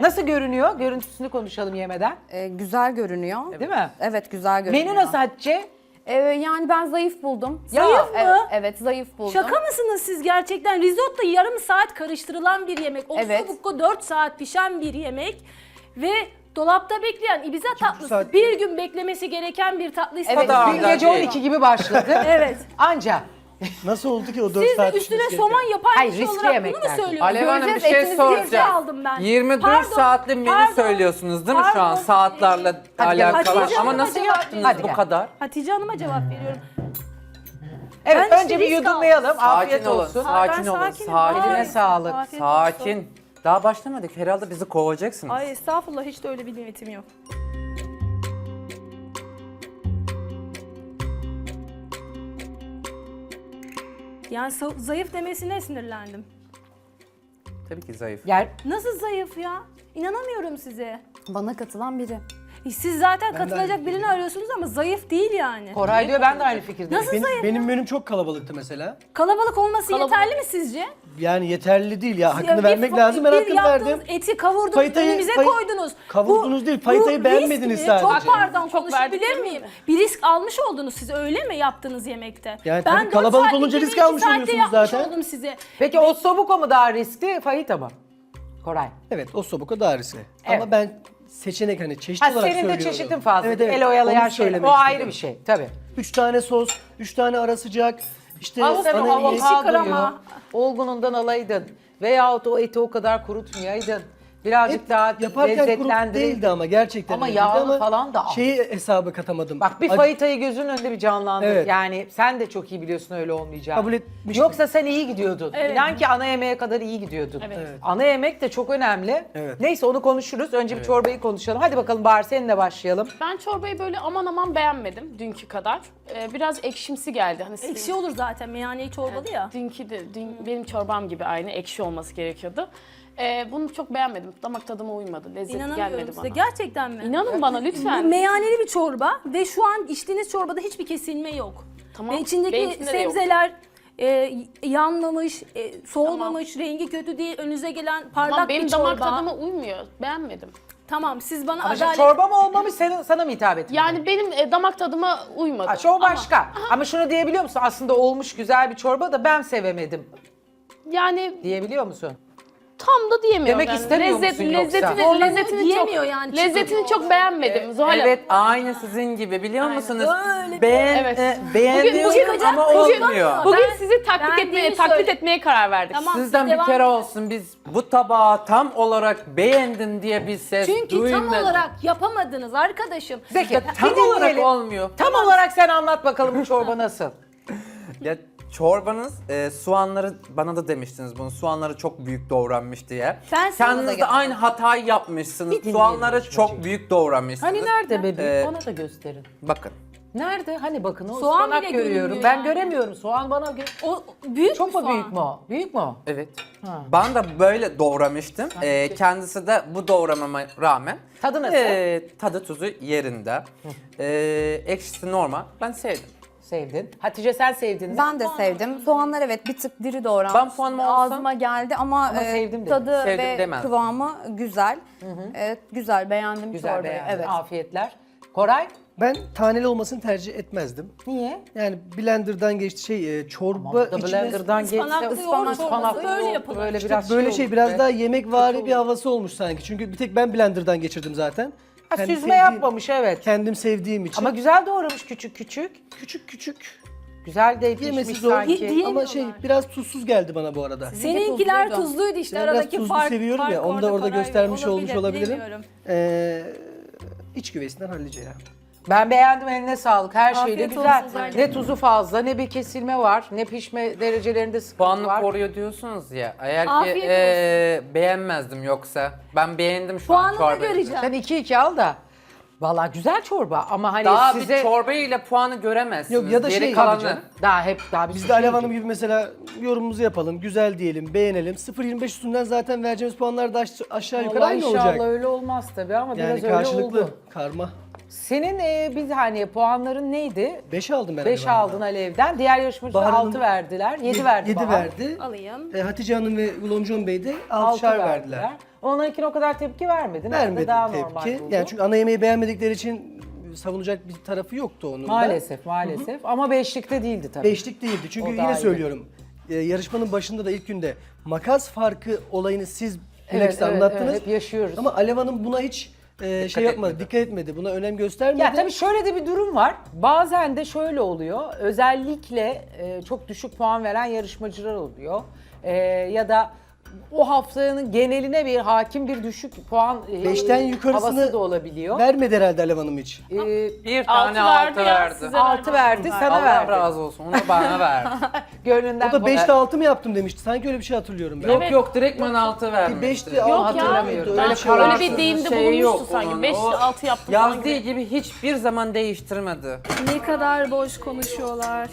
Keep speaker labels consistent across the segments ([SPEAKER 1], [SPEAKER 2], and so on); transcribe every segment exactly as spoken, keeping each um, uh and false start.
[SPEAKER 1] Nasıl görünüyor? Görüntüsünü konuşalım yemeden.
[SPEAKER 2] Ee, güzel görünüyor.
[SPEAKER 1] Değil mi?
[SPEAKER 2] Evet, güzel görünüyor.
[SPEAKER 1] Menü nasıl Hatice?
[SPEAKER 2] Ee, yani ben zayıf buldum.
[SPEAKER 1] Ya,
[SPEAKER 3] Zayıf mı?
[SPEAKER 2] Evet, evet zayıf buldum.
[SPEAKER 3] Şaka mısınız siz gerçekten? Risotto yarım saat karıştırılan bir yemek.
[SPEAKER 2] Evet.
[SPEAKER 3] Ossobuco dört saat pişen bir yemek. Ve dolapta bekleyen Ibiza tatlısı.
[SPEAKER 4] saat-
[SPEAKER 3] Bir gün beklemesi gereken bir tatlı
[SPEAKER 2] Evet.
[SPEAKER 3] istedim.
[SPEAKER 1] Dün gece on iki gibi başladı.
[SPEAKER 3] Evet.
[SPEAKER 1] Anca.
[SPEAKER 4] Nasıl oldu ki o dört
[SPEAKER 3] Siz
[SPEAKER 4] saat
[SPEAKER 3] de üstüne
[SPEAKER 4] pişmesi
[SPEAKER 3] somon
[SPEAKER 4] gereken?
[SPEAKER 3] yapar
[SPEAKER 1] Hayır,
[SPEAKER 3] kişi
[SPEAKER 1] riskli
[SPEAKER 3] olarak bunu
[SPEAKER 1] yemekler.
[SPEAKER 3] mu söylüyorsunuz?
[SPEAKER 5] Alev Hanım bir
[SPEAKER 2] Göreceğiz,
[SPEAKER 5] şey
[SPEAKER 2] etinizi
[SPEAKER 5] soracağım.
[SPEAKER 3] göreceğiz. aldım ben.
[SPEAKER 5] yirmi dört
[SPEAKER 3] Pardon,
[SPEAKER 5] saatlik menü
[SPEAKER 3] pardon,
[SPEAKER 5] söylüyorsunuz değil mi şu an
[SPEAKER 3] pardon.
[SPEAKER 5] saatlerle
[SPEAKER 1] Hadi gel,
[SPEAKER 5] alakalı?
[SPEAKER 3] Hatice
[SPEAKER 5] Ama
[SPEAKER 3] Hanım'a
[SPEAKER 5] nasıl
[SPEAKER 3] cevap
[SPEAKER 5] yaptınız
[SPEAKER 1] Hadi
[SPEAKER 5] bu
[SPEAKER 1] gel.
[SPEAKER 5] kadar?
[SPEAKER 3] Hatice Hanım'a cevap veriyorum.
[SPEAKER 1] Evet
[SPEAKER 3] Ben
[SPEAKER 1] önce
[SPEAKER 3] işte
[SPEAKER 1] bir
[SPEAKER 3] risk
[SPEAKER 1] yudumlayalım. Afiyet
[SPEAKER 5] Sakin olun,
[SPEAKER 1] olsun.
[SPEAKER 5] sakin
[SPEAKER 3] Ben
[SPEAKER 5] olun,
[SPEAKER 3] sakinim.
[SPEAKER 5] sakin.
[SPEAKER 1] Eline
[SPEAKER 3] Ay,
[SPEAKER 1] sağlık.
[SPEAKER 3] afiyet olsun.
[SPEAKER 5] Sakin. Daha başlamadık. Herhalde bizi kovacaksınız.
[SPEAKER 3] Ay estağfurullah, hiç de öyle bir niyetim yok. Yani sa- zayıf demesine sinirlendim.
[SPEAKER 5] Tabii ki zayıf.
[SPEAKER 1] Gel.
[SPEAKER 3] Nasıl zayıf ya? İnanamıyorum size.
[SPEAKER 2] Bana katılan biri.
[SPEAKER 3] E, Siz zaten katılacak birini arıyorsunuz ama zayıf değil yani.
[SPEAKER 1] Koray diyor ben de aynı fikirdeyim.
[SPEAKER 3] Nasıl
[SPEAKER 4] Benim,
[SPEAKER 3] zayıf?
[SPEAKER 4] benim menüm çok kalabalıktı mesela.
[SPEAKER 3] Kalabalık olması yeterli mi sizce?
[SPEAKER 4] Yani yeterli değil ya. Hakkını
[SPEAKER 3] Ya bir-
[SPEAKER 4] vermek lazım. Ben
[SPEAKER 3] bir
[SPEAKER 4] hakkını
[SPEAKER 3] yaptığınız
[SPEAKER 4] verdim.
[SPEAKER 3] eti kavurdunuz,
[SPEAKER 4] Faytayı-
[SPEAKER 3] önümüze
[SPEAKER 4] fay-
[SPEAKER 3] koydunuz.
[SPEAKER 4] kavurdunuz değil, faytayı
[SPEAKER 3] bu
[SPEAKER 4] beğenmediniz
[SPEAKER 3] risk mi?
[SPEAKER 4] sadece.
[SPEAKER 3] Çok pardon,
[SPEAKER 6] Çok
[SPEAKER 3] konuşabilir
[SPEAKER 6] verdik
[SPEAKER 3] miyim?
[SPEAKER 6] mi?
[SPEAKER 3] Bir risk almış oldunuz siz, öyle mi yaptığınız yemekte?
[SPEAKER 4] Yani tabii
[SPEAKER 3] dört
[SPEAKER 4] kalabalık
[SPEAKER 3] saatlik
[SPEAKER 4] olunca
[SPEAKER 3] yemeği
[SPEAKER 4] risk
[SPEAKER 3] iki
[SPEAKER 4] almış
[SPEAKER 3] saatte
[SPEAKER 4] oluyorsunuz
[SPEAKER 3] yapmış
[SPEAKER 4] zaten.
[SPEAKER 3] oldum size.
[SPEAKER 1] Peki Ossobuco mu daha riskli, fajita mı? Koray.
[SPEAKER 4] Evet, o sobuka daha riskli.
[SPEAKER 1] Evet.
[SPEAKER 4] Ama ben seçenek hani çeşit
[SPEAKER 1] Ha
[SPEAKER 4] olarak
[SPEAKER 1] senin de
[SPEAKER 4] söylüyorum.
[SPEAKER 1] çeşitin fazla.
[SPEAKER 4] Evet, evet.
[SPEAKER 1] El oyalayan
[SPEAKER 4] Onu
[SPEAKER 1] şey. O
[SPEAKER 4] söylemek
[SPEAKER 1] ayrı
[SPEAKER 4] istedim.
[SPEAKER 1] bir şey tabii.
[SPEAKER 4] Üç tane sos, üç tane ara sıcak. İşte
[SPEAKER 1] Al sen o
[SPEAKER 4] ana yemek-
[SPEAKER 1] avokadoyu
[SPEAKER 3] krema.
[SPEAKER 1] olgunundan alaydın. Veyahut o eti o kadar kurutmayaydın. Birazcık
[SPEAKER 4] Et
[SPEAKER 1] daha
[SPEAKER 4] yaparken kurut
[SPEAKER 1] lezzetlendirirdin.
[SPEAKER 4] değildi ama gerçekten
[SPEAKER 1] Ama
[SPEAKER 4] öyleydi
[SPEAKER 1] yağlı falan da al.
[SPEAKER 4] Şeyi hesabı katamadım.
[SPEAKER 1] Bak bir
[SPEAKER 4] Ac-
[SPEAKER 1] fajitayı gözünün önünde bir canlandır.
[SPEAKER 4] Evet.
[SPEAKER 1] Yani sen de çok iyi biliyorsun öyle olmayacağını.
[SPEAKER 4] Kabul etmiştim.
[SPEAKER 1] Yoksa sen iyi gidiyordun.
[SPEAKER 3] Evet.
[SPEAKER 1] İnan ki ana yemeğe kadar iyi gidiyordun.
[SPEAKER 6] Evet.
[SPEAKER 4] Evet.
[SPEAKER 1] Ana yemek de çok önemli.
[SPEAKER 4] Evet.
[SPEAKER 1] Neyse onu konuşuruz. Önce bir çorbayı konuşalım. Hadi bakalım Bahar seninle başlayalım.
[SPEAKER 6] Ben çorbayı böyle aman aman beğenmedim dünkü kadar. Ee, biraz ekşimsi geldi. Hani sizin-
[SPEAKER 3] Ekşi olur zaten, meyhaneyi çorbalı ya.
[SPEAKER 6] Dünkü de dün benim çorbam gibi aynı ekşi olması gerekiyordu. Ee, bunu çok beğenmedim. Damak tadıma uymadı. Lezzeti
[SPEAKER 3] İnanamıyorum
[SPEAKER 6] gelmedi
[SPEAKER 3] size.
[SPEAKER 6] bana.
[SPEAKER 3] Gerçekten mi?
[SPEAKER 6] İnanın bana
[SPEAKER 3] Bu
[SPEAKER 6] lütfen.
[SPEAKER 3] meyhaneli bir çorba ve şu an içtiğiniz çorbada hiçbir kesilme yok.
[SPEAKER 6] Tamam,
[SPEAKER 3] Ve içindeki
[SPEAKER 6] benimkinde de yok.
[SPEAKER 3] sebzeler e, yanmamış, e, soğumamış, rengi kötü değil. Önünüze gelen parlak
[SPEAKER 6] Tamam, benim
[SPEAKER 3] bir
[SPEAKER 6] damak
[SPEAKER 3] çorba.
[SPEAKER 6] tadıma uymuyor. Beğenmedim.
[SPEAKER 3] Tamam, siz bana
[SPEAKER 1] Ama şimdi
[SPEAKER 3] adalet...
[SPEAKER 1] çorba mı olmamış sana, sana mı hitap etmiyor?
[SPEAKER 6] Yani benim e, damak tadıma uymadı.
[SPEAKER 1] Ha, o
[SPEAKER 6] Ama-
[SPEAKER 1] başka. Ama, şunu diyebiliyor musun? Aslında olmuş güzel bir çorba da ben sevemedim
[SPEAKER 6] Yani
[SPEAKER 1] diyebiliyor musun?
[SPEAKER 6] tam da diyemiyorum.
[SPEAKER 1] Demek
[SPEAKER 6] yani.
[SPEAKER 1] istemiyor
[SPEAKER 6] Lezzet,
[SPEAKER 1] musun yoksa?
[SPEAKER 6] lezzetini,
[SPEAKER 3] Zorlanıyor
[SPEAKER 6] lezzetini
[SPEAKER 3] diyemiyor
[SPEAKER 6] çok,
[SPEAKER 3] yani.
[SPEAKER 6] lezzetini çok beğenmedim. Zuhal Hanım.
[SPEAKER 5] Evet, aynı sizin gibi biliyor musunuz?
[SPEAKER 3] Öyle.
[SPEAKER 5] Beğen,
[SPEAKER 6] Evet.
[SPEAKER 5] e, beğeniyorum
[SPEAKER 6] bugün-
[SPEAKER 5] ama
[SPEAKER 3] bugün-
[SPEAKER 5] olmuyor.
[SPEAKER 6] Bugün
[SPEAKER 3] Ben-
[SPEAKER 6] sizi taklit
[SPEAKER 3] ben
[SPEAKER 6] etmeye,
[SPEAKER 3] değil
[SPEAKER 6] taklit
[SPEAKER 3] söyle-
[SPEAKER 6] etmeye karar verdik.
[SPEAKER 3] Tamam,
[SPEAKER 5] Sizden
[SPEAKER 3] siz
[SPEAKER 5] bir
[SPEAKER 3] devam
[SPEAKER 5] kere
[SPEAKER 3] edin.
[SPEAKER 5] olsun biz bu tabağı tam olarak beğendim diye bir ses
[SPEAKER 3] Çünkü
[SPEAKER 5] duymadım.
[SPEAKER 3] tam olarak yapamadınız arkadaşım.
[SPEAKER 1] Peki
[SPEAKER 5] Tam
[SPEAKER 1] bir
[SPEAKER 5] olarak
[SPEAKER 1] dinleyelim.
[SPEAKER 5] olmuyor.
[SPEAKER 1] Tam olarak sen anlat bakalım bu çorba nasıl?
[SPEAKER 5] Ya çorbanız e, soğanları bana da demiştiniz bunu soğanları çok büyük doğranmış diye.
[SPEAKER 3] Ben sana da
[SPEAKER 5] Kendiniz de
[SPEAKER 3] yapmadım.
[SPEAKER 5] aynı hatayı yapmışsınız.
[SPEAKER 1] Bir dinleyelim
[SPEAKER 5] Soğanları
[SPEAKER 1] Necma'cığım.
[SPEAKER 5] çok büyük doğramışsınız.
[SPEAKER 1] Hani nerede bebeğim?
[SPEAKER 5] Ee,
[SPEAKER 1] Bana da gösterin.
[SPEAKER 5] Bakın.
[SPEAKER 1] Nerede? Hani bakın o
[SPEAKER 3] Soğan
[SPEAKER 1] ıspanak
[SPEAKER 3] bile
[SPEAKER 1] görüyorum.
[SPEAKER 3] görünmüyor
[SPEAKER 1] Ben
[SPEAKER 3] yani.
[SPEAKER 1] göremiyorum. Soğan bana gö-
[SPEAKER 3] O büyük
[SPEAKER 1] Çok
[SPEAKER 3] bir
[SPEAKER 1] mu
[SPEAKER 3] soğan.
[SPEAKER 1] büyük mü o? Büyük mü o?
[SPEAKER 5] Evet.
[SPEAKER 1] Ha.
[SPEAKER 5] Ben de böyle doğramıştım. Ee, kendisi de bu doğramama rağmen
[SPEAKER 1] Tadı nasıl?
[SPEAKER 5] ee, tadı tuzu yerinde. Ee, ekşisi normal. Ben sevdim.
[SPEAKER 1] Sevdin. Hatice sen sevdin mi?
[SPEAKER 2] Ben de sevdim. Soğanlar evet bir tık diri doğranmış.
[SPEAKER 5] Ben puanımı alsam-
[SPEAKER 2] Ağzıma geldi ama,
[SPEAKER 1] Ama
[SPEAKER 2] e,
[SPEAKER 1] sevdim dedim.
[SPEAKER 2] tadı
[SPEAKER 5] Sevdim
[SPEAKER 2] ve
[SPEAKER 5] demem.
[SPEAKER 2] kıvamı güzel. Evet, güzel beğendim
[SPEAKER 1] Güzel
[SPEAKER 2] çorbayı.
[SPEAKER 1] beğendin.
[SPEAKER 2] Evet.
[SPEAKER 1] Afiyetler. Koray?
[SPEAKER 4] Ben taneli olmasını tercih etmezdim.
[SPEAKER 1] Niye?
[SPEAKER 4] Yani blenderdan geçti şey e, çorba
[SPEAKER 1] Ama da
[SPEAKER 4] içine
[SPEAKER 1] blenderdan geçse
[SPEAKER 3] Ispanaklı yoğurt
[SPEAKER 1] ıspanak
[SPEAKER 3] çorbası
[SPEAKER 1] falan
[SPEAKER 3] öyle
[SPEAKER 1] oldu.
[SPEAKER 3] yapılır.
[SPEAKER 1] Böyle
[SPEAKER 3] İşte
[SPEAKER 1] biraz
[SPEAKER 4] böyle
[SPEAKER 1] şey,
[SPEAKER 4] şey
[SPEAKER 1] oldu.
[SPEAKER 4] biraz
[SPEAKER 1] Evet.
[SPEAKER 4] daha yemekvari bir havası olmuş sanki. Çünkü bir tek ben blenderdan geçirdim zaten.
[SPEAKER 1] Ha,
[SPEAKER 4] Kendi
[SPEAKER 1] süzme
[SPEAKER 4] sevdiğim-
[SPEAKER 1] yapmamış evet.
[SPEAKER 4] Kendim sevdiğim için.
[SPEAKER 1] Ama güzel doğramış küçük küçük.
[SPEAKER 4] küçük küçük
[SPEAKER 1] Güzel de
[SPEAKER 4] yemesi
[SPEAKER 1] pişmiş
[SPEAKER 4] zor.
[SPEAKER 1] sanki.
[SPEAKER 3] Diyemiyorlar.
[SPEAKER 4] Ama şey biraz tuzsuz geldi bana bu arada.
[SPEAKER 3] Seninkiler
[SPEAKER 2] tuzluydu.
[SPEAKER 3] tuzluydu işte,
[SPEAKER 4] Ben biraz
[SPEAKER 3] aradaki
[SPEAKER 4] tuzlu
[SPEAKER 3] fark.
[SPEAKER 4] seviyorum
[SPEAKER 3] fark
[SPEAKER 4] ya, onu da orada
[SPEAKER 3] Koray,
[SPEAKER 4] göstermiş olmuş olabilirim.
[SPEAKER 3] bilemiyorum.
[SPEAKER 4] Ee, iç güvesinden halledeceğim.
[SPEAKER 1] Ben beğendim, eline sağlık. Her
[SPEAKER 3] Afiyet
[SPEAKER 1] şeyle
[SPEAKER 3] olsun
[SPEAKER 1] güzel.
[SPEAKER 3] Zahra.
[SPEAKER 1] Ne tuzu fazla, ne bir kesilme var, ne pişme derecelerinde sıkıntı
[SPEAKER 5] Puanını
[SPEAKER 1] var.
[SPEAKER 5] koruyor diyorsunuz ya. Eğer
[SPEAKER 3] Afiyet
[SPEAKER 5] ki
[SPEAKER 3] olsun.
[SPEAKER 5] ee, beğenmezdim yoksa. Ben beğendim şu
[SPEAKER 3] Puanını
[SPEAKER 5] an
[SPEAKER 3] da
[SPEAKER 5] çorbayı.
[SPEAKER 3] göreceğim.
[SPEAKER 1] Sen iki iki al da. Vallahi güzel çorba ama hani
[SPEAKER 5] Daha
[SPEAKER 1] size...
[SPEAKER 5] bir çorbayla puanı göremezsiniz.
[SPEAKER 4] Yok, ya da
[SPEAKER 5] Geri
[SPEAKER 4] şey-
[SPEAKER 5] kalanı.
[SPEAKER 1] Canım, daha hep daha bir
[SPEAKER 4] Biz
[SPEAKER 1] sürü
[SPEAKER 4] de Alev
[SPEAKER 1] şey
[SPEAKER 4] Hanım
[SPEAKER 1] gibi.
[SPEAKER 4] gibi mesela yorumumuzu yapalım, güzel diyelim, beğenelim. sıfır yirmi beş üstünden zaten vereceğimiz puanlar da aş- aşağı yukarı
[SPEAKER 1] Vallahi
[SPEAKER 4] aynı
[SPEAKER 1] inşallah
[SPEAKER 4] olacak.
[SPEAKER 1] öyle olmaz tabii ama
[SPEAKER 4] Yani
[SPEAKER 1] biraz öyle
[SPEAKER 4] karşılıklı,
[SPEAKER 1] oldu.
[SPEAKER 4] karma.
[SPEAKER 1] Senin e, bir saniye puanların neydi?
[SPEAKER 4] beş aldım ben.
[SPEAKER 1] beş
[SPEAKER 4] Alev
[SPEAKER 1] aldın
[SPEAKER 4] Hanım'dan.
[SPEAKER 1] Alev'den. Diğer yarışmacılar
[SPEAKER 4] Bahar Hanım-
[SPEAKER 1] altı verdiler. yedi verdi
[SPEAKER 4] yedi
[SPEAKER 1] Bahar.
[SPEAKER 4] verdi.
[SPEAKER 3] Alayım.
[SPEAKER 4] E, Hatice Hanım ve Ulomcon Bey de
[SPEAKER 1] altı
[SPEAKER 4] altışar
[SPEAKER 1] verdiler.
[SPEAKER 4] verdiler.
[SPEAKER 1] Onlarınkine o kadar tepki vermedin.
[SPEAKER 4] Vermedi
[SPEAKER 1] Daha normal
[SPEAKER 4] tepki.
[SPEAKER 1] buldun.
[SPEAKER 4] Yani çünkü ana yemeği beğenmedikleri için savunacak bir tarafı yoktu onun da.
[SPEAKER 1] Maalesef maalesef ama beşlikte değildi tabii.
[SPEAKER 4] Beşlik değildi. Çünkü
[SPEAKER 1] O daha
[SPEAKER 4] yine
[SPEAKER 1] iyi.
[SPEAKER 4] söylüyorum. e, yarışmanın başında da ilk günde makas farkı olayını siz
[SPEAKER 1] Evet,
[SPEAKER 4] bilakis
[SPEAKER 1] evet,
[SPEAKER 4] anlattınız.
[SPEAKER 1] evet, hep yaşıyoruz.
[SPEAKER 4] Ama Alev Hanım buna hiç e, şey yapmadı,
[SPEAKER 5] etmedi.
[SPEAKER 4] dikkat etmedi. Buna önem göstermedi.
[SPEAKER 1] Ya tabii şöyle de bir durum var. Bazen de şöyle oluyor. Özellikle e, çok düşük puan veren yarışmacılar oluyor. E, ya da o haftanın geneline bir hakim bir düşük puan e,
[SPEAKER 4] Beşten
[SPEAKER 1] havası
[SPEAKER 4] yukarısını
[SPEAKER 1] da olabiliyor.
[SPEAKER 4] vermedi herhalde Alev Hanım hiç.
[SPEAKER 1] E,
[SPEAKER 5] Bir tane
[SPEAKER 6] Altı
[SPEAKER 5] altı
[SPEAKER 6] verdi ya,
[SPEAKER 5] verdi.
[SPEAKER 6] size
[SPEAKER 1] altı verdi, sana
[SPEAKER 5] Allah
[SPEAKER 1] verdi.
[SPEAKER 5] razı olsun. Onu bana verdi.
[SPEAKER 1] Gönlünden
[SPEAKER 4] O da
[SPEAKER 1] koy-
[SPEAKER 4] beşte altı mı yaptım demişti. Sanki öyle bir şey hatırlıyorum ben.
[SPEAKER 5] Yok yok direkt bana altı
[SPEAKER 4] Bir
[SPEAKER 5] vermişti.
[SPEAKER 4] beşti
[SPEAKER 6] Yok
[SPEAKER 4] altı
[SPEAKER 6] ya.
[SPEAKER 4] hatırlamıyorum.
[SPEAKER 1] Ben
[SPEAKER 4] Öyle
[SPEAKER 6] Ben
[SPEAKER 4] bir şey
[SPEAKER 6] öyle
[SPEAKER 4] olmuştu.
[SPEAKER 6] bir deyimde
[SPEAKER 5] Şey
[SPEAKER 6] bulunmuştu
[SPEAKER 5] yok
[SPEAKER 6] sanki.
[SPEAKER 5] onun.
[SPEAKER 6] beş
[SPEAKER 5] O
[SPEAKER 6] altı yaptım falan
[SPEAKER 5] Yazdığı
[SPEAKER 6] gibi.
[SPEAKER 5] gibi hiçbir zaman değiştirmedi.
[SPEAKER 3] Ne kadar boş konuşuyorlar.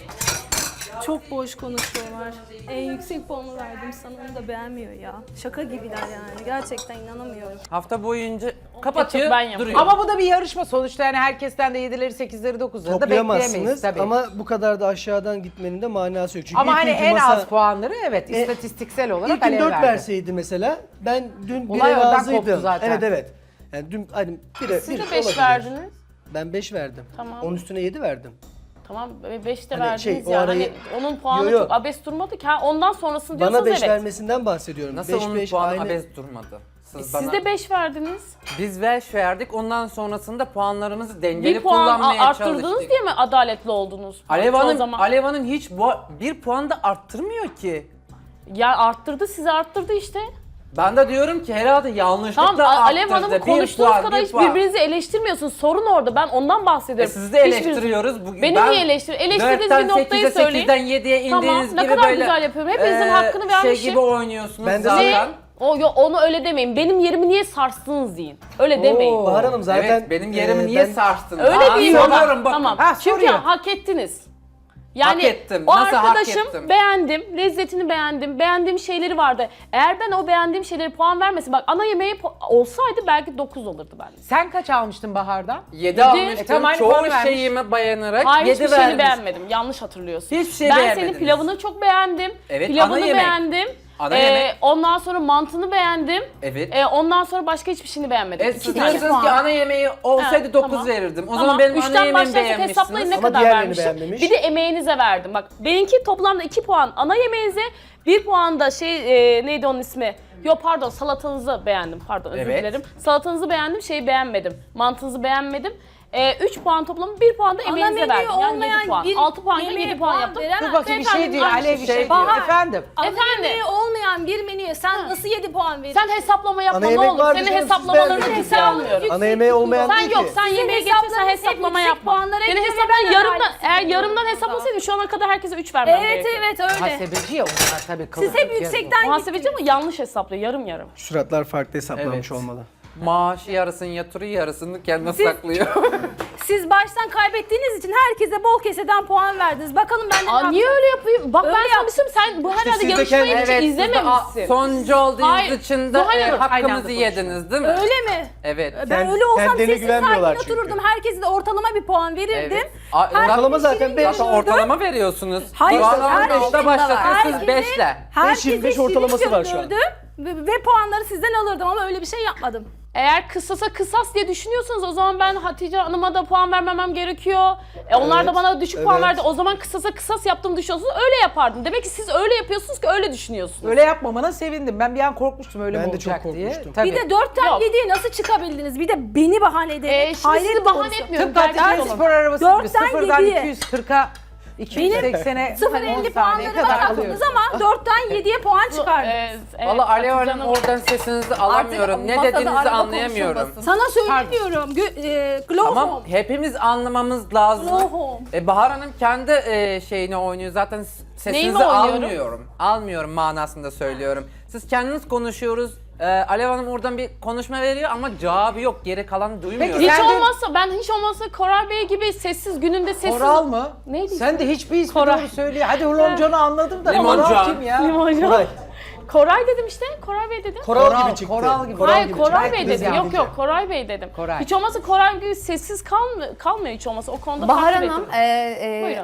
[SPEAKER 3] Çok boş konuşuyorlar. En yüksek puanı verdim sana, onu da beğenmiyor ya. Şaka gibiler yani. Gerçekten inanamıyorum.
[SPEAKER 5] Hafta boyunca kapatıyor,
[SPEAKER 6] ben yapıyorum.
[SPEAKER 5] duruyor.
[SPEAKER 1] Ama bu da bir yarışma sonuçta, yani herkesten de yedileri, sekizleri, dokuzları da bekleyemeyiz
[SPEAKER 4] Toplayamazsınız
[SPEAKER 1] tabii.
[SPEAKER 4] ama bu kadar da aşağıdan gitmenin de manası yok. Çünkü
[SPEAKER 1] Ama
[SPEAKER 4] ilk
[SPEAKER 1] hani
[SPEAKER 4] günkü
[SPEAKER 1] en
[SPEAKER 4] masa-
[SPEAKER 1] az puanları evet
[SPEAKER 4] E,
[SPEAKER 1] istatistiksel olarak
[SPEAKER 4] İlk gün
[SPEAKER 1] Alev
[SPEAKER 4] dört
[SPEAKER 1] verdi.
[SPEAKER 4] verseydi mesela, ben dün
[SPEAKER 1] Olay
[SPEAKER 4] bire
[SPEAKER 1] oradan
[SPEAKER 4] razıydım.
[SPEAKER 1] koptu zaten.
[SPEAKER 4] Evet evet. Yani dün hani bire,
[SPEAKER 6] Siz
[SPEAKER 4] bir
[SPEAKER 6] de beş
[SPEAKER 4] olabilir.
[SPEAKER 6] verdiniz.
[SPEAKER 4] Ben beş verdim.
[SPEAKER 6] Tamam.
[SPEAKER 4] Onun üstüne yedi verdim.
[SPEAKER 6] Tamam beş de
[SPEAKER 4] Hani
[SPEAKER 6] verdiniz
[SPEAKER 4] şey, o
[SPEAKER 6] yani.
[SPEAKER 4] arayı-
[SPEAKER 6] Hani onun puanı
[SPEAKER 4] Yo, yo.
[SPEAKER 6] çok abes durmadı ki. Ha, ondan sonrasını
[SPEAKER 4] Bana
[SPEAKER 6] diyorsanız
[SPEAKER 4] beş
[SPEAKER 6] evet.
[SPEAKER 4] vermesinden bahsediyorum.
[SPEAKER 5] Nasıl
[SPEAKER 4] beş,
[SPEAKER 5] onun
[SPEAKER 4] beş,
[SPEAKER 5] puanı
[SPEAKER 4] aynı.
[SPEAKER 5] abes durmadı? Siz,
[SPEAKER 6] Siz
[SPEAKER 5] bana...
[SPEAKER 6] de beş verdiniz.
[SPEAKER 5] Biz beş verdik, ondan sonrasında puanlarımızı dengeli
[SPEAKER 6] Bir puan
[SPEAKER 5] kullanmaya
[SPEAKER 6] arttırdınız
[SPEAKER 5] çalıştık.
[SPEAKER 6] diye mi adaletli oldunuz?
[SPEAKER 5] Alev
[SPEAKER 6] Çoğu
[SPEAKER 5] Hanım,
[SPEAKER 6] zaman.
[SPEAKER 5] Alev Hanım hiç bu, bir puan da arttırmıyor ki.
[SPEAKER 6] Ya arttırdı, sizi arttırdı işte.
[SPEAKER 5] Ben de diyorum ki herhalde yanlışlıkla
[SPEAKER 6] Tamam
[SPEAKER 5] arttırdı.
[SPEAKER 6] Alev Hanım'ı
[SPEAKER 5] Bir
[SPEAKER 6] konuştuğunuz
[SPEAKER 5] puan,
[SPEAKER 6] kadar
[SPEAKER 5] bir
[SPEAKER 6] hiç
[SPEAKER 5] puan.
[SPEAKER 6] birbirinizi eleştirmiyorsunuz. Sorun orada. Ben ondan
[SPEAKER 5] E
[SPEAKER 6] bahsediyorum.
[SPEAKER 5] sizi de
[SPEAKER 6] Hiçbiriniz-
[SPEAKER 5] eleştiriyoruz. Bugün
[SPEAKER 6] Beni
[SPEAKER 5] ben
[SPEAKER 6] niye eleştir? Eleştirdiğiniz
[SPEAKER 5] dörtten
[SPEAKER 6] bir noktayı
[SPEAKER 5] sekize,
[SPEAKER 6] söyleyin.
[SPEAKER 5] sekizden yediye
[SPEAKER 6] Tamam,
[SPEAKER 5] indiğiniz
[SPEAKER 6] ne
[SPEAKER 5] gibi
[SPEAKER 6] kadar
[SPEAKER 5] böyle
[SPEAKER 6] güzel yapıyorum. Hepinizin
[SPEAKER 5] e,
[SPEAKER 6] hakkını vermişim.
[SPEAKER 5] Şey gibi oynuyorsunuz
[SPEAKER 4] Ben de
[SPEAKER 5] zaten.
[SPEAKER 6] Ne? O, yo, onu öyle demeyin. Benim yerimi niye sarstınız deyin. Öyle demeyin.
[SPEAKER 4] Bahar Hanım zaten
[SPEAKER 5] Evet, benim yerimi
[SPEAKER 4] e,
[SPEAKER 5] niye
[SPEAKER 4] ben-
[SPEAKER 5] sarstınız?
[SPEAKER 6] Öyle
[SPEAKER 5] Aa,
[SPEAKER 6] değil
[SPEAKER 5] soruyorum
[SPEAKER 6] ama.
[SPEAKER 5] bakın.
[SPEAKER 6] Tamam.
[SPEAKER 1] Ha,
[SPEAKER 6] Çünkü
[SPEAKER 1] soruyor.
[SPEAKER 6] hak ettiniz. Yani
[SPEAKER 5] Hak ettim.
[SPEAKER 6] o
[SPEAKER 5] Nasıl hak
[SPEAKER 6] arkadaşım
[SPEAKER 5] ettim?
[SPEAKER 6] beğendim, lezzetini beğendim, beğendiğim şeyleri vardı. Eğer ben o beğendiğim şeyleri puan vermesin, bak ana yemeği pu- olsaydı belki dokuz olurdu bende.
[SPEAKER 1] Sen kaç almıştın Bahar'dan?
[SPEAKER 5] Yedi
[SPEAKER 6] Yedi.
[SPEAKER 5] almıştım.
[SPEAKER 1] E, tamam, aynı
[SPEAKER 5] Çoğu
[SPEAKER 1] puanı vermiş.
[SPEAKER 5] şeyime dayanarak
[SPEAKER 6] Hayır
[SPEAKER 5] yedi
[SPEAKER 6] hiçbir şeyini
[SPEAKER 5] vermiş.
[SPEAKER 6] beğenmedim. Yanlış hatırlıyorsun.
[SPEAKER 5] Hiçbir şey
[SPEAKER 6] ben
[SPEAKER 5] beğenmediniz.
[SPEAKER 6] senin pilavını çok beğendim.
[SPEAKER 5] Evet,
[SPEAKER 6] Pilavını
[SPEAKER 5] ana yemek.
[SPEAKER 6] beğendim.
[SPEAKER 5] Ana
[SPEAKER 6] Ee,
[SPEAKER 5] yemek.
[SPEAKER 6] Ondan sonra mantını beğendim.
[SPEAKER 5] Evet.
[SPEAKER 6] Ee, ondan sonra başka hiçbir şeyini beğenmedim.
[SPEAKER 5] E,
[SPEAKER 6] İki
[SPEAKER 5] siz
[SPEAKER 6] tane.
[SPEAKER 5] diyorsunuz ki ana yemeği olsaydı
[SPEAKER 6] Ha,
[SPEAKER 5] dokuz
[SPEAKER 6] tamam.
[SPEAKER 5] verirdim. O
[SPEAKER 6] Tamam,
[SPEAKER 5] zaman benim ana
[SPEAKER 6] üçten
[SPEAKER 5] yemeğimi
[SPEAKER 6] başlarsak
[SPEAKER 5] beğenmişsiniz.
[SPEAKER 6] hesaplayın ne
[SPEAKER 4] Ama
[SPEAKER 6] kadar
[SPEAKER 4] diğerlerini
[SPEAKER 6] vermişim.
[SPEAKER 4] beğenmemiş.
[SPEAKER 6] Bir de emeğinize verdim. Bak benimki toplamda iki puan ana yemeğinize, bir puan da şey e, neydi onun ismi? Yo pardon salatanızı beğendim. Pardon özür
[SPEAKER 5] Evet.
[SPEAKER 6] dilerim. Salatanızı beğendim, şeyi beğenmedim. Mantınızı beğenmedim. E, üç puan toplamı, bir puan da
[SPEAKER 3] Ana
[SPEAKER 6] emeğinize
[SPEAKER 3] menüyü
[SPEAKER 6] verdim. Yani
[SPEAKER 3] olmayan
[SPEAKER 6] yedi puan.
[SPEAKER 3] bir
[SPEAKER 6] altı puan gibi
[SPEAKER 3] yemeğe
[SPEAKER 6] yedi puan
[SPEAKER 3] puan
[SPEAKER 6] yaptım.
[SPEAKER 3] veremem.
[SPEAKER 1] Dur bakayım bir şey
[SPEAKER 6] Beyefendi,
[SPEAKER 1] diyor.
[SPEAKER 6] aynı
[SPEAKER 1] Alev bir şey diyor.
[SPEAKER 3] Bahar.
[SPEAKER 1] Efendim.
[SPEAKER 3] Ana
[SPEAKER 6] Efendim?
[SPEAKER 3] yemeği olmayan bir menüye sen nasıl yedi puan verirsin?
[SPEAKER 6] Sen hesaplama yapma
[SPEAKER 4] Ana
[SPEAKER 6] ne
[SPEAKER 4] yemek
[SPEAKER 6] olur.
[SPEAKER 4] vardı
[SPEAKER 6] Senin
[SPEAKER 4] canım, siz
[SPEAKER 6] hesaplamalarını
[SPEAKER 4] beğendiniz
[SPEAKER 6] ciddiye
[SPEAKER 3] ya.
[SPEAKER 6] almıyorum.
[SPEAKER 4] Ana yemeği olmayan
[SPEAKER 6] Sen
[SPEAKER 4] değil
[SPEAKER 6] yok,
[SPEAKER 4] ki.
[SPEAKER 6] sen
[SPEAKER 3] Sizin
[SPEAKER 6] yemeği getirsen
[SPEAKER 3] hesaplarınız hep
[SPEAKER 6] hesaplama
[SPEAKER 3] yüksek
[SPEAKER 6] yapma.
[SPEAKER 3] puanlara
[SPEAKER 6] Senin
[SPEAKER 3] göre
[SPEAKER 6] hesapların
[SPEAKER 3] ben
[SPEAKER 6] yarımdan,
[SPEAKER 3] adaletli
[SPEAKER 6] eğer
[SPEAKER 3] buluyorum
[SPEAKER 6] yarımdan
[SPEAKER 3] burada.
[SPEAKER 6] hesaplasaydın şu ana kadar herkese üç vermem
[SPEAKER 3] Evet
[SPEAKER 6] gerekiyordu.
[SPEAKER 3] evet öyle.
[SPEAKER 1] Muhasebeci ya onlar tabii.
[SPEAKER 3] Siz
[SPEAKER 1] kılık
[SPEAKER 3] hep
[SPEAKER 1] kılık
[SPEAKER 3] yüksekten
[SPEAKER 6] Muhasebeci ama yanlış hesaplıyor, yarım yarım.
[SPEAKER 4] Suratlar farklı hesaplamış
[SPEAKER 5] Evet.
[SPEAKER 4] olmalı.
[SPEAKER 5] Maaşı yarısını yatırıyor, yarısını kendine
[SPEAKER 3] Siz-
[SPEAKER 5] saklıyor.
[SPEAKER 3] Siz baştan kaybettiğiniz için herkese bol keseden puan verdiniz. Bakalım benden
[SPEAKER 6] Aa niye öyle yapayım? Bak
[SPEAKER 3] Öyle
[SPEAKER 6] ben sana
[SPEAKER 3] yap.
[SPEAKER 6] bir şey söyleyeyim, sen bu herhalde
[SPEAKER 4] siz de
[SPEAKER 6] yarışmayı
[SPEAKER 4] kendi-
[SPEAKER 6] hiç
[SPEAKER 5] Evet, siz de a-
[SPEAKER 6] izlememişsin.
[SPEAKER 5] sonuncu olduğunuz
[SPEAKER 6] Hayır,
[SPEAKER 5] için de
[SPEAKER 6] Zuhal
[SPEAKER 5] e,
[SPEAKER 6] Hanım,
[SPEAKER 1] aynı anda
[SPEAKER 5] hakkınızı yediniz değil mi?
[SPEAKER 3] Öyle mi?
[SPEAKER 5] Evet.
[SPEAKER 3] Ben
[SPEAKER 4] Sen-
[SPEAKER 3] öyle olsam
[SPEAKER 4] kendine
[SPEAKER 3] sessiz
[SPEAKER 4] güvenmiyorlar
[SPEAKER 3] sakin
[SPEAKER 4] çünkü.
[SPEAKER 3] otururdum. Herkese de ortalama bir puan verirdim.
[SPEAKER 5] Evet. A-
[SPEAKER 4] Ortalama
[SPEAKER 3] Herkes
[SPEAKER 4] zaten
[SPEAKER 3] şirin
[SPEAKER 4] beş.
[SPEAKER 5] Zaten
[SPEAKER 3] görürdü.
[SPEAKER 5] ortalama veriyorsunuz.
[SPEAKER 3] Hayır,
[SPEAKER 5] Puanlama
[SPEAKER 3] herkesin
[SPEAKER 5] beşte
[SPEAKER 3] de
[SPEAKER 5] başlatıyor, siz
[SPEAKER 3] Herkese-
[SPEAKER 5] beşle.
[SPEAKER 3] Herkese
[SPEAKER 4] yirmi beş
[SPEAKER 3] şirin
[SPEAKER 4] ortalaması var şu an.
[SPEAKER 3] görünürdüm Ve, ve puanları sizden alırdım ama öyle bir şey yapmadım.
[SPEAKER 6] Eğer kısasa kısas diye düşünüyorsanız o zaman ben Hatice Hanım'a da puan vermemem gerekiyor. E, onlar
[SPEAKER 4] Evet,
[SPEAKER 6] da bana düşük puan
[SPEAKER 4] evet.
[SPEAKER 6] verdi. O zaman kısasa kısas yaptığımı düşünüyorsunuz. Öyle yapardım. Demek ki siz öyle yapıyorsunuz ki öyle düşünüyorsunuz.
[SPEAKER 1] Öyle yapmamana sevindim. Ben bir an korkmuştum öyle
[SPEAKER 4] Ben
[SPEAKER 1] mi
[SPEAKER 4] de çok
[SPEAKER 1] olacak diye.
[SPEAKER 4] korkmuştum.
[SPEAKER 1] Tabii.
[SPEAKER 3] Bir de dörtten
[SPEAKER 6] Yok.
[SPEAKER 3] yediye nasıl çıkabildiniz? Bir de beni bahane ederek.
[SPEAKER 6] E, şimdi
[SPEAKER 3] hayret
[SPEAKER 6] sizi bahane
[SPEAKER 3] konusu.
[SPEAKER 6] etmiyorum.
[SPEAKER 1] Tıpkı
[SPEAKER 6] Gerçekten
[SPEAKER 1] Hatice
[SPEAKER 6] olun.
[SPEAKER 1] spor arabası gibi
[SPEAKER 3] Dörtten
[SPEAKER 1] sıfırdan
[SPEAKER 3] yediye.
[SPEAKER 1] iki yüz kırka iki yüz seksene
[SPEAKER 3] sıfır
[SPEAKER 1] on
[SPEAKER 3] elli
[SPEAKER 1] saniye
[SPEAKER 3] puanları
[SPEAKER 1] kadar
[SPEAKER 3] var
[SPEAKER 1] alıyoruz.
[SPEAKER 3] aklınız ama dörtten yediye puan çıkardı.
[SPEAKER 6] E, evet,
[SPEAKER 5] Valla Alev
[SPEAKER 6] Hatice
[SPEAKER 5] Hanım
[SPEAKER 6] Hanım-
[SPEAKER 5] oradan sesinizi alamıyorum. Ne
[SPEAKER 7] masada
[SPEAKER 5] dediğinizi
[SPEAKER 7] araba
[SPEAKER 5] anlayamıyorum.
[SPEAKER 7] konuşulmasın.
[SPEAKER 3] Sana söylemiyorum. Gö- e, Glow
[SPEAKER 5] Tamam,
[SPEAKER 3] Home.
[SPEAKER 5] hepimiz anlamamız lazım.
[SPEAKER 3] Glow Home.
[SPEAKER 5] E, Bahar Hanım kendi e, şeyini oynuyor. Zaten s- sesinizi
[SPEAKER 6] Neyimi oynuyorum?
[SPEAKER 5] almıyorum. Almıyorum manasında söylüyorum. Siz kendiniz konuşuyoruz. E, Alev Hanım oradan bir konuşma veriyor ama cevabı yok. Geri kalan duymuyorum.
[SPEAKER 1] Peki,
[SPEAKER 6] Hiç
[SPEAKER 1] Sen de-
[SPEAKER 6] olmazsa ben hiç olmazsa Koray Bey gibi sessiz gününde sessiz.
[SPEAKER 1] Koral mı?
[SPEAKER 6] Neydi
[SPEAKER 1] Sen de hiçbir ismi
[SPEAKER 6] Koray.
[SPEAKER 1] doğru söylüyor. Hadi Hulomcan'ı anladım da
[SPEAKER 5] Limoncan.
[SPEAKER 1] Koral kim ya?
[SPEAKER 6] Limoncan.
[SPEAKER 4] Koray.
[SPEAKER 6] Koray dedim işte. Koray Bey dedim.
[SPEAKER 4] Koral,
[SPEAKER 1] Koral,
[SPEAKER 4] gibi çıktı.
[SPEAKER 1] koral gibi.
[SPEAKER 4] Koral
[SPEAKER 6] Hayır
[SPEAKER 4] gibi
[SPEAKER 6] Koray
[SPEAKER 4] çıktı.
[SPEAKER 6] Bey
[SPEAKER 1] Biz
[SPEAKER 6] dedim. Yok
[SPEAKER 1] yardımcı.
[SPEAKER 6] yok Koray Bey dedim.
[SPEAKER 1] Koray.
[SPEAKER 6] Hiç olmazsa Koray gibi sessiz kalm kalmıyor hiç olmazsa. O konuda
[SPEAKER 2] Bahar
[SPEAKER 6] takdir
[SPEAKER 2] Hanım,
[SPEAKER 6] ettim.
[SPEAKER 2] e, e,
[SPEAKER 6] Buyurun.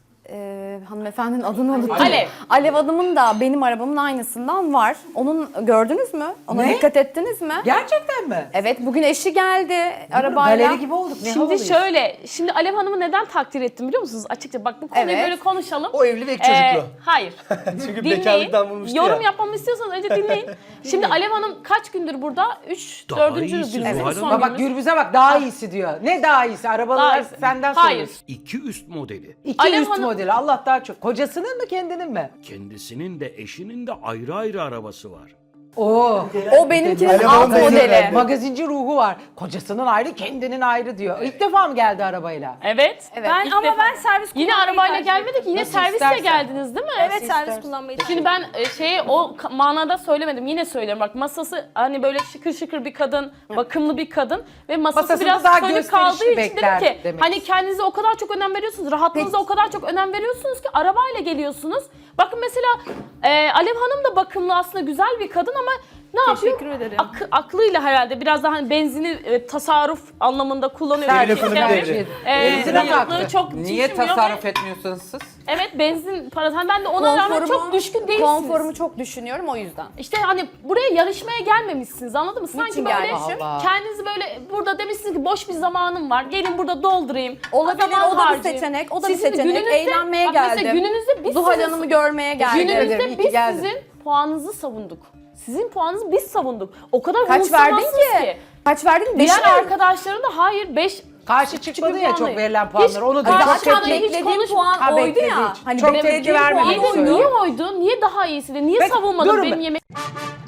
[SPEAKER 2] e, hanımefendinin adını unuttum.
[SPEAKER 6] Alev.
[SPEAKER 2] Alev Hanım'ın da benim arabamın aynısından var. Onun gördünüz mü? Ona
[SPEAKER 1] Ne?
[SPEAKER 2] dikkat ettiniz mi?
[SPEAKER 1] Gerçekten mi?
[SPEAKER 2] Evet, bugün eşi geldi arabayla.
[SPEAKER 1] Galeri gibi olduk. Ne
[SPEAKER 6] Şimdi
[SPEAKER 1] havalıyız.
[SPEAKER 6] şöyle, şimdi Alev Hanım'ı neden takdir ettim biliyor musunuz? Açıkça bak bu konuyu
[SPEAKER 2] Evet.
[SPEAKER 6] böyle konuşalım.
[SPEAKER 4] O evli ve iki
[SPEAKER 6] Ee,
[SPEAKER 4] çocuklu.
[SPEAKER 6] hayır.
[SPEAKER 4] Çünkü
[SPEAKER 6] Dinleyin.
[SPEAKER 4] bekarlıktan vurmuştu
[SPEAKER 6] Yorum
[SPEAKER 4] ya.
[SPEAKER 6] yapmamı istiyorsanız önce dinleyin. Şimdi Alev Hanım kaç gündür burada? üç,
[SPEAKER 7] Daha
[SPEAKER 6] dördüncü
[SPEAKER 7] iyisi
[SPEAKER 6] günümüz.
[SPEAKER 7] Zuhal
[SPEAKER 6] son
[SPEAKER 1] Bak bak
[SPEAKER 6] günümüz.
[SPEAKER 1] Gürbüz'e bak daha iyisi diyor. Ne daha iyisi? Arabalar
[SPEAKER 6] Daha iyisi.
[SPEAKER 1] senden
[SPEAKER 6] Hayır.
[SPEAKER 1] soruyoruz.
[SPEAKER 7] İki üst modeli.
[SPEAKER 1] İki
[SPEAKER 6] Alev
[SPEAKER 1] üst
[SPEAKER 6] Hanım-
[SPEAKER 1] modeli. Allah daha çok. Kocasının mı kendinin mi?
[SPEAKER 7] Kendisinin de eşinin de ayrı ayrı arabası var.
[SPEAKER 1] Oo.
[SPEAKER 2] O benimkinin
[SPEAKER 4] Alev
[SPEAKER 2] alt
[SPEAKER 4] Hanım da
[SPEAKER 2] modeli.
[SPEAKER 4] izin
[SPEAKER 1] Magazinci ruhu var. Kocasının ayrı, kendinin ayrı diyor. İlk defa mı geldi arabayla?
[SPEAKER 6] Evet.
[SPEAKER 2] Evet.
[SPEAKER 3] Ben
[SPEAKER 6] İlk
[SPEAKER 3] ama
[SPEAKER 6] defa.
[SPEAKER 3] ben servis
[SPEAKER 6] Yine
[SPEAKER 3] kullanmayı
[SPEAKER 6] arabayla
[SPEAKER 3] tercih
[SPEAKER 6] gelmedik.
[SPEAKER 3] ederim.
[SPEAKER 6] Yine
[SPEAKER 1] Nasıl
[SPEAKER 6] servisle
[SPEAKER 1] istersen.
[SPEAKER 6] geldiniz değil mi?
[SPEAKER 3] Evet servis kullanmayı tercih
[SPEAKER 6] Şimdi ben e, şeyi o ka- manada söylemedim. Yine söylüyorum. Bak masası hani böyle şıkır şıkır bir kadın, bakımlı bir kadın ve masası
[SPEAKER 1] Masasında
[SPEAKER 6] biraz
[SPEAKER 1] daha
[SPEAKER 6] sönük
[SPEAKER 1] gösterişli
[SPEAKER 6] kaldığı için dedim
[SPEAKER 1] beklerdim
[SPEAKER 6] ki
[SPEAKER 1] demek
[SPEAKER 6] hani kendinize o kadar çok önem veriyorsunuz, rahatlığınıza o kadar çok önem veriyorsunuz ki arabayla geliyorsunuz. Bakın mesela e, Alev Hanım da bakımlı aslında güzel bir kadın ama ne yapıyor?
[SPEAKER 3] Teşekkür ederim.
[SPEAKER 6] Ak- aklıyla herhalde biraz daha hani benzini e, tasarruf anlamında kullanıyor.
[SPEAKER 1] Servis
[SPEAKER 6] Çünkü
[SPEAKER 4] ekonomi
[SPEAKER 6] yani,
[SPEAKER 4] devri.
[SPEAKER 6] e,
[SPEAKER 1] Benzine
[SPEAKER 6] yaklığı
[SPEAKER 1] taktı.
[SPEAKER 6] çok
[SPEAKER 5] Niye
[SPEAKER 6] şişmiyor ve-
[SPEAKER 5] tasarruf etmiyorsunuz siz?
[SPEAKER 6] Evet benzin parası. Hani ben de ona rağmen çok düşkün değilsiniz.
[SPEAKER 2] Konforumu çok düşünüyorum o yüzden.
[SPEAKER 6] İşte hani buraya yarışmaya gelmemişsiniz anladın mı? Sanki
[SPEAKER 2] Niçin
[SPEAKER 6] böyle
[SPEAKER 2] gelmişim?
[SPEAKER 1] Allah.
[SPEAKER 6] kendinizi böyle burada demişsiniz ki boş bir zamanım var. Gelin burada doldurayım.
[SPEAKER 2] Olabilir,
[SPEAKER 6] zaman
[SPEAKER 2] o da bir
[SPEAKER 6] harcayayım.
[SPEAKER 2] seçenek, o da bir
[SPEAKER 6] Sizin
[SPEAKER 2] seçenek.
[SPEAKER 6] gününüzde-
[SPEAKER 2] Eğlenmeye
[SPEAKER 6] bak mesela
[SPEAKER 2] geldim.
[SPEAKER 6] gününüzde biz
[SPEAKER 2] Zuhal
[SPEAKER 6] sizin-
[SPEAKER 2] Hanım'ı görmeye geldim.
[SPEAKER 1] ederim, iyi
[SPEAKER 6] Gününüzde
[SPEAKER 1] ki
[SPEAKER 6] biz
[SPEAKER 1] geldin.
[SPEAKER 6] sizin puanınızı savunduk. Sizin puanınızı biz savunduk. O kadar
[SPEAKER 2] Kaç verdin
[SPEAKER 6] umursamazsınız
[SPEAKER 2] ki? Kaç verdin? Beş
[SPEAKER 6] Diğer
[SPEAKER 2] mi?
[SPEAKER 6] arkadaşların da hayır beş
[SPEAKER 1] Karşı çıkmadı ya çok
[SPEAKER 6] puanlayın.
[SPEAKER 1] verilen
[SPEAKER 6] Hiç
[SPEAKER 1] puanlar. Onu da
[SPEAKER 6] karşı
[SPEAKER 1] çok
[SPEAKER 6] çıkmadı,
[SPEAKER 1] tepki.
[SPEAKER 6] hiç
[SPEAKER 2] Beklediğim
[SPEAKER 6] konuş-
[SPEAKER 2] puan
[SPEAKER 1] Ha,
[SPEAKER 2] oydu
[SPEAKER 1] beklediği
[SPEAKER 2] ya.
[SPEAKER 1] için.
[SPEAKER 2] Hani
[SPEAKER 1] Çok
[SPEAKER 2] beklediğim
[SPEAKER 1] tepki vermemek
[SPEAKER 2] puan
[SPEAKER 6] İyi de
[SPEAKER 1] için
[SPEAKER 2] oydu.
[SPEAKER 6] niye oydu? Niye daha iyisi de? Niye
[SPEAKER 1] Peki,
[SPEAKER 6] savunmadın
[SPEAKER 1] durun
[SPEAKER 6] benim
[SPEAKER 1] be.
[SPEAKER 6] yemek?